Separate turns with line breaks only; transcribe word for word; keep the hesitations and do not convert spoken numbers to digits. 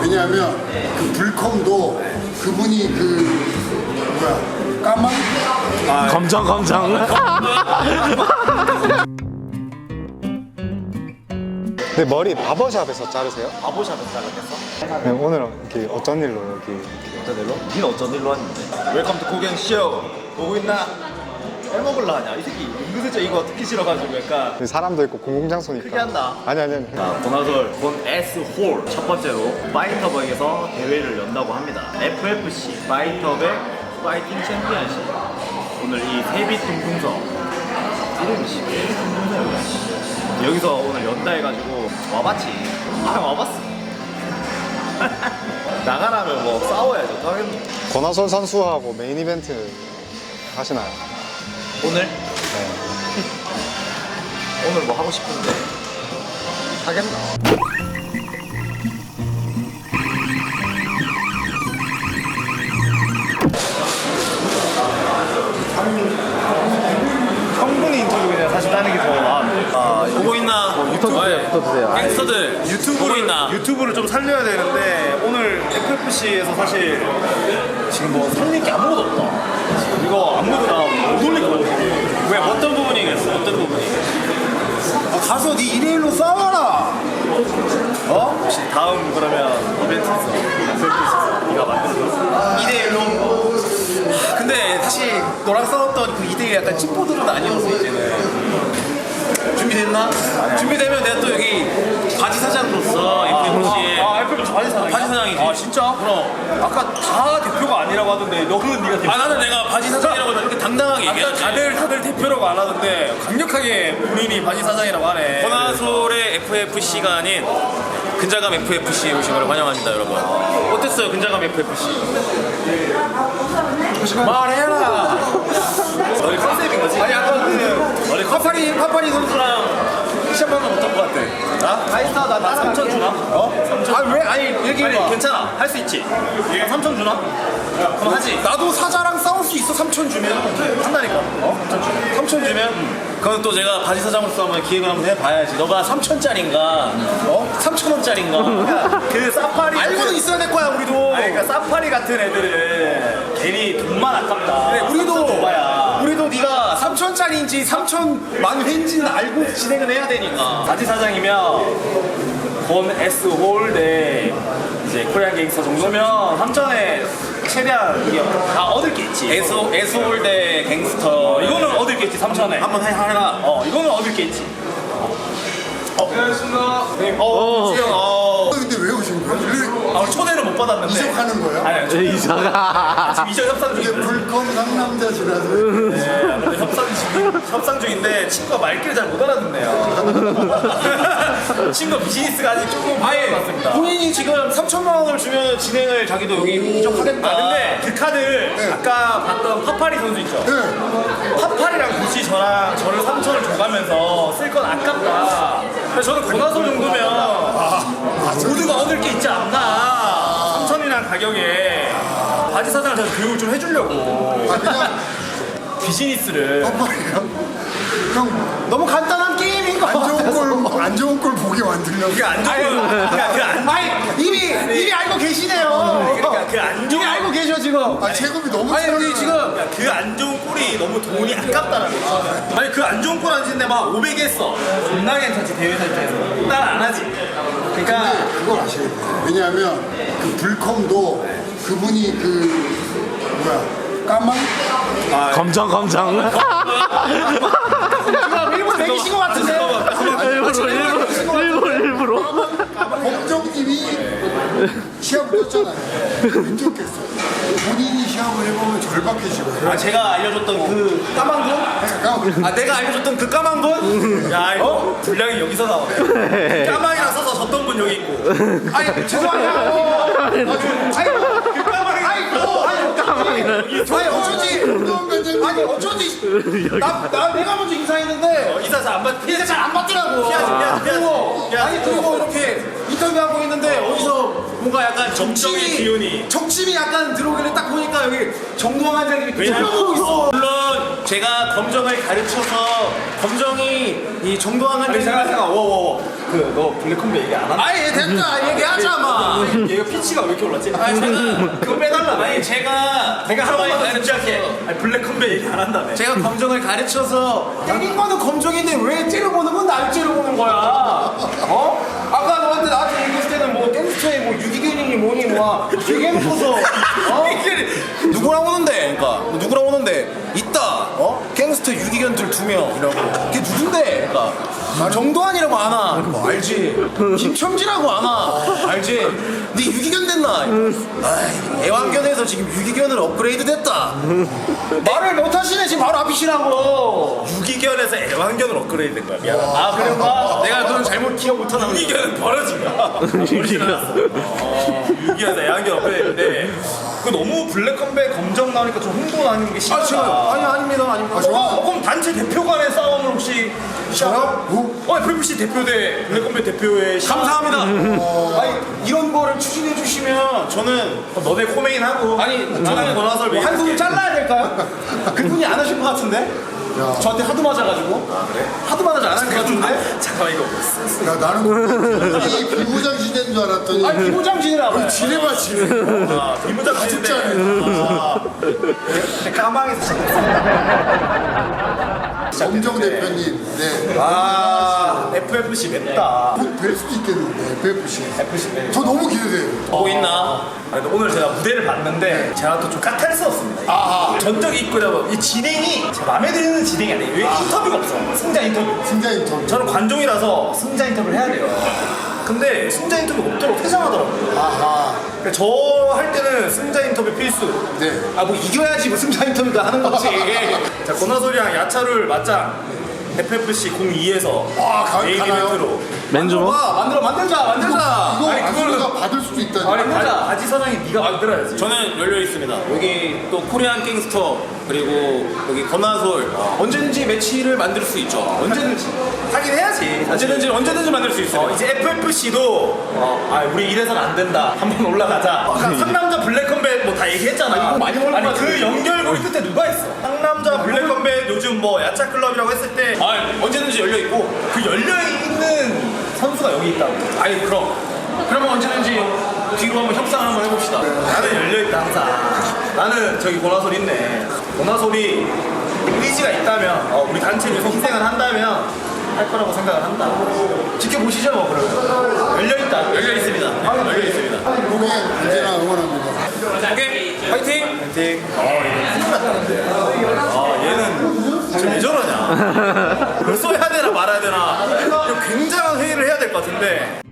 왜냐하면 그 불컴도 그분이 그 뭐야 까만
아, 검정 검정.
네, 머리 바버샵에서 자르세요?
바보샵에서 잘랐겠어?
네, 오늘은 이렇게 어쩐 일로 여기 이렇게.
어쩐 일로? 니는 어쩐 일로 왔는데? 웰컴 투 고갱쇼 보고 있나? 빼먹을라 하냐? 이 새끼 은근슬쩍 이거 듣기 싫어가지고 약간
사람도 있고 공공장소니까.
크게 한다.
아니 아니 아니.
자, 고나솔 본 S 홀 첫 번째로 파이터백에서 대회를 연다고 합니다. 에프에프씨 파이터백 파이팅 챔피언십. 오늘 이 세빛 둥둥서 이름이 씨 세빛 둥둥서야. 여기서 오늘 연다 해가지고 와봤지. 아 와봤어. 나가라면 뭐 싸워야죠. 또 하겠노.
권하솔 선수하고 메인 이벤트 하시나요?
오늘?
네.
오늘 뭐 하고 싶은데 하겠나?
성분이 인터뷰 그냥 사실 따는 게 더 나은데.
아, 보고 있나?
유튜브 붙어주세요.
갱스터들
유튜브를,
보고 있나?
유튜브를 좀 살려야 되는데 오늘 에프에프씨에서 사실 지금 뭐 살릴 게 아무것도 없다. 이거 아무도 나못 올릴 것 같아.
왜 어떤 부분이겠어? 어떤 부분이?
아, 가서 네 일일로 싸워라. 어?
혹시 다음 그러면 이벤트 있어? 네가 만들어줬어?
이 대 일로. 근데 사실 너랑 싸웠던 그 이 대일 약간 찐포들은 아니었어 이제는. 준비됐나? 준비되면 내가 또 여기 바지 사장으로서 에프에프씨에
아, 에프에프씨 바지 사장.
바지 사장이지.
아, 진짜?
그럼 아까 다 대표가 아니라고 하던데 너는 네가 대표.
아, 나는 내가 바지 사장이라고 이렇게 당당하게
아까
얘기하지.
다들 다들 대표라고 안 하던데 강력하게 본인이 바지 사장이라고 하네.
고나솔의 에프에프씨가 아닌 근자감 에프에프씨에 오신 걸 환영합니다, 여러분. 어땠어요, 근자감 에프에프씨?
말해라.
너희 컨셉인 거지?
아니 아까 그
너희
파파리 파파리 선수랑 시합 방금 어떤 거 같아? 나? 아이스타 나, 나
삼천 주나?
어? 삼천? 아 왜? 아니 얘기해봐.
아니, 괜찮아. 할 수 있지. 얘가 삼천 주나? 그럼 하지.
나도 사자랑 싸울 수 있어. 삼천 주면 한다니까. 어? 삼천 주면
그건 또 제가 바지 사장으로서 한번 기획을 한번 해봐야지. 너가 삼천짜린가, 어? 삼천 원짜린가. 그 사파리.
알고는
같은-
있어야 될 거야 우리도.
아니, 그러니까 사파리 같은 애들은 괜히 돈만 아깝다.
그래, 우리도
줘봐야.
우리도 네가 삼천짜리인지 삼천만 회인지는 알고 진행을 해야 되니까.
바지 사장이면 본 S 홀대 이제 코리안 갱스터 정도면 삼천에 최대한 이게 다 얻을 게 있지. S S 홀대 갱스터 이거는 얻을 게 있지. 삼천에 한번 해 하라. 어 이거는 얻을 게 있지. 어, 안녕하십니까. 어, 수영. 어.
근데 왜 오신 거예요? 일로
아, 초대는 못 받았는데.
이적하는 거예요?
아니, 아니, 저-
이사가.
지금 이적 협상
이게
중인데.
불컴 상남자시라서
네, 근데 협상 중 협상 중인데 친구가 말귀를 잘 못 알아듣네요. 친구 비즈니스가 아직 조금
아예
부족합니다.
본인이 지금 삼천만 원을 주면 진행을 자기도 여기 이적하겠다.
아, 근데 그 카드
네.
아까 봤던 파파리 선수 있죠?
네.
파파리랑 굳이 저랑 저를 삼천을 줘가면서 쓸 건 아깝다. 그래서 저는 고나솔 정도면 모두가 얻을 게 있지 않나. 삼천이라는 가격에 바지 사장을 제가 교육을 좀 해주려고
아 그냥
비즈니스를.
깜빡이요? 형,
너무 간단한 게임인 거
안 좋은 걸, 안 좋은 걸 보게 만들려고.
그게 안 좋은 그러니까 그안
아니 이미 이미 알고 계시네요.
그러니까 그 안
이미
좋은
알고 계셔 지금.
아, 체급이 너무
아니 여기
차요.
지금
그 안 좋은 꼴이 너무 돈이 아깝다는 거지. 아니 그 안 좋은 꼴 앉는데 막 오백 했어. 존나 괜찮지 대회 살때에서. 난 안 하지. 그러니까
그걸 아셔야 돼요. 왜냐하면 그 불컴도 그분이 그 뭐야 까만
검정 검정.
지금 일본 매기신 것 같은데.
일부러 일부러 일부러 일부러.
검정님이 시합을 했잖아요. 왼쪽했어요. 본인이 시합을 해보면 절박해지고요.
아 제가 알려줬던 그 까만 돈?
까만.
아 내가 알려줬던 그 까만 돈? 야 이거 분량이 여기서 나오네. 까만이랑 써서 졌던 분 여기 있고.
아니 죄송해요. 아니 그 까마귀. 아니 너 아니 아니 어쩐지 아니 어쩐지 나, 나 내가 먼저 인사했는데
이사 잘안 받.
인사 잘 안 받더라고.
피하지, 피하지, 피하지.
그리고
피하지.
아니 그리고 이렇게 인터뷰하고 있는데 어디서 뭔가 약간
정적인 기운이.
정치 욕심이 약간 들어오길래 딱 보니까 여기 정동환 원장님이
왜냐면
하고 있어. 물론 제가 검정을 가르쳐서 검정이 이 정동환
아니
원장님
잠깐 잠깐 워워워 그너 블랙컴백 얘기 안 한다.
아니 됐다 얘기하자 마.
얘가 피치가 왜 이렇게 올랐지?
아니 제가
그거 빼달라.
아니 제가
내가 한 번만 더
검정을
진지하게.
가르쳐서-
아니 블랙컴백 얘기 안 한다며.
제가 검정을 가르쳐서 때린 거는 검정인데 왜 째려보는 건 날 째려보는 거야? 어? 아까 너한테 나한테 얘기했을 때는 뭐 갱스터에 뭐 유기견이니 뭐니 뭐 되게 해놓고서 어? 누구랑 오는데? 그러니까 누구랑 오는데? 있다. 어? 갱스터 유기견들 두 명이라고. 그게 누군데? 그러니까 정도환이라고 아나? 뭐 알지? 김첨지라고 아나? 알지? 네 유기견 됐나? 아이, 애완견에서 지금 유기견으로 업그레이드 됐다. 말을 못하시네 지금 바로 앞이시라고.
유기견에서 애완견으로 업그레이드 된 거야. 미안하다.
아 그런가? 내가 그건 잘못 기억 못하나 보네.
유기견은 버려진 거야. 유기견. 유기견에서 애완견 업그레이드인데 그 너무 블랙컴백 검정 나오니까 좀 흥분 아닌 게 심하다.
아 제가 아니 아닙니다 아닙니다.
어, 그럼 단체 대표 간의 싸움을 혹시
저요? 뭐?
어, 에프에프씨 대표 대 블랙컴백 대표의 시-
감사합니다. 아니 이런 거를 추진해 주시면 저는
어, 너네 코메인 하고
아니 저는
권하설
뭐 한 손을 잘라야 될까요? 그분이 안 하실 것 같은데? 저한테 하도 맞아가지고 하도 맞아서 안 한 것 같은데?
잠깐만 이거
야 나는 이 비부장 시대인 줄 알았더니
아니 비보장진이라고
지뢰봐 지뢰.
아, 비무장
진짜.
아, 까망에서
엄정 대표님, 네.
아 에프에프씨 맵다.
뵐 수도 있겠는데 에프에프씨.
에프씨 맵.
저 너무 기대돼요.
보고 있나?
아, 근데 오늘 제가 무대를 봤는데 제가 또 좀 까탈스럽습니다.
아하.
전적이 있고요. 이 진행이 제 마음에 드는 진행이 아니에요. 왜 인터뷰가 없어? 승자 인터뷰.
승자 인터뷰.
저는 관종이라서 승자 인터뷰를 해야 돼요. 근데 승자 인터뷰 없도록 퇴장하더라고요.
아하.
그러니까 저 할 때는 승자 인터뷰 필수.
네.
아 뭐 이겨야지 뭐 승자 인터뷰도 하는 거지.
자, 권하솔이랑 야차를 맞짱 에프에프씨 공이에서
아, 가-
메인
가나요?
이벤트로.
맨주먹?
와 만들어 만들자 만들자.
이거
아니,
안수가 받을 수도 있다니.
아니 바, 바지 사장이 네가 만들어야지.
저는 열려 있습니다. 여기 또 코리안 갱스터 그리고 여기 권하솔 언제든지 매치를 만들 수 있죠. 언제든지
하긴 해야지.
언제든지 언제든지 만들 수 있어요.
어, 이제 에프에프씨도 어, 아 우리 이래선 안 된다. 한번 올라가자. 아까 상남자 블랙컴백 뭐 다 얘기했잖아.
아, 이거 많이 올라가지.
아니 그 연결고리 끝에 누가 했어? 상남자 블랙컴백 요즘 뭐 야차 클럽이라고 했을 때
아 언제든지 열려 있고.
그 열려 있는 선수가 여기 있다고.
아니 그럼 그러면 언제든지 뒤로 한번 협상을 한번 해봅시다.
나는 열려 있다 항상. 나는 저기 고나솔 있네. 고나솔이 의지가 있다면 어, 우리 단체 위해서 희생을 한다면 할 거라고 생각을 한다. 지켜보시죠 뭐 그러면. 열려 있다. 열려 있습니다. 열려 있습니다.
고객 언제나 응원합니다.
오케이 파이팅.
파이팅. 어, 얘는 아, 얘는 지금 왜 저러냐? 이걸 써야 되나 말아야 되나? 이거 굉장한 회의를 해야 될 것 같은데.